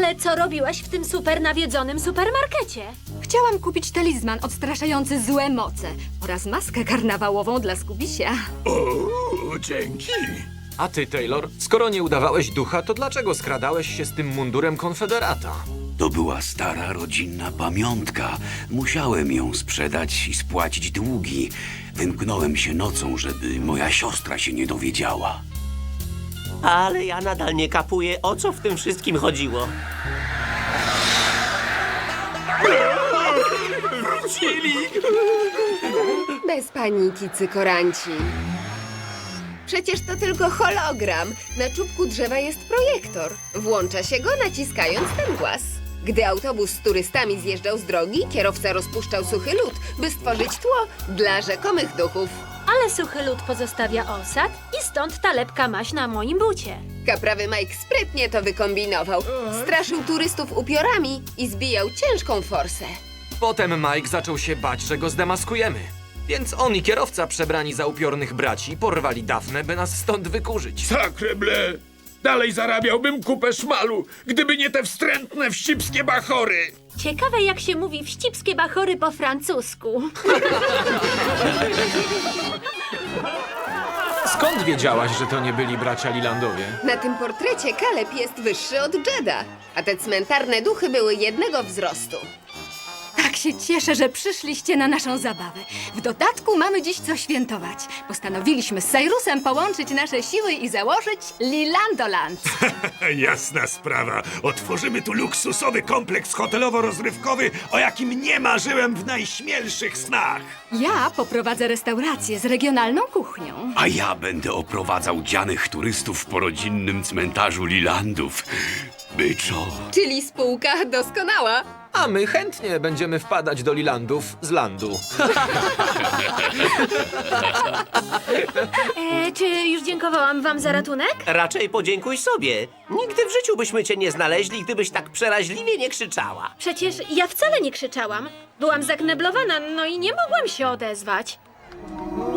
Ale co robiłaś w tym super nawiedzonym supermarkecie? Chciałam kupić talizman odstraszający złe moce oraz maskę karnawałową dla Skubisia. O, dzięki. A ty, Taylor, skoro nie udawałeś ducha, to dlaczego skradałeś się z tym mundurem konfederata? To była stara rodzinna pamiątka. Musiałem ją sprzedać i spłacić długi. Wymknąłem się nocą, żeby moja siostra się nie dowiedziała. Ale ja nadal nie kapuję, o co w tym wszystkim chodziło. Bez paniki, cykoranci. Przecież to tylko hologram. Na czubku drzewa jest projektor. Włącza się go, naciskając ten głaz. Gdy autobus z turystami zjeżdżał z drogi, kierowca rozpuszczał suchy lód, by stworzyć tło dla rzekomych duchów. Ale suchy lód pozostawia osad i stąd ta lepka maś na moim bucie. Kaprawy Mike sprytnie to wykombinował. Straszył turystów upiorami i zbijał ciężką forsę. Potem Mike zaczął się bać, że go zdemaskujemy. Więc on i kierowca przebrani za upiornych braci porwali Dafnę, by nas stąd wykurzyć. Sacre bleu! Dalej zarabiałbym kupę szmalu, gdyby nie te wstrętne wścibskie bachory. Ciekawe, jak się mówi wścibskie bachory po francusku. Skąd wiedziałaś, że to nie byli bracia Lilandowie? Na tym portrecie Caleb jest wyższy od Jeda, a te cmentarne duchy były jednego wzrostu. Tak się cieszę, że przyszliście na naszą zabawę. W dodatku mamy dziś co świętować. Postanowiliśmy z Cyrusem połączyć nasze siły i założyć Lilandoland. Jasna sprawa. Otworzymy tu luksusowy kompleks hotelowo-rozrywkowy, o jakim nie marzyłem w najśmielszych snach. Ja poprowadzę restaurację z regionalną kuchnią. A ja będę oprowadzał dzianych turystów po rodzinnym cmentarzu Lilandów. Byczo. Czyli spółka doskonała. A my chętnie będziemy wpadać do Lilandów z landu. Czy już dziękowałam wam za ratunek? Raczej podziękuj sobie. Nigdy w życiu byśmy cię nie znaleźli, gdybyś tak przeraźliwie nie krzyczała. Przecież ja wcale nie krzyczałam. Byłam zakneblowana, no i nie mogłam się odezwać.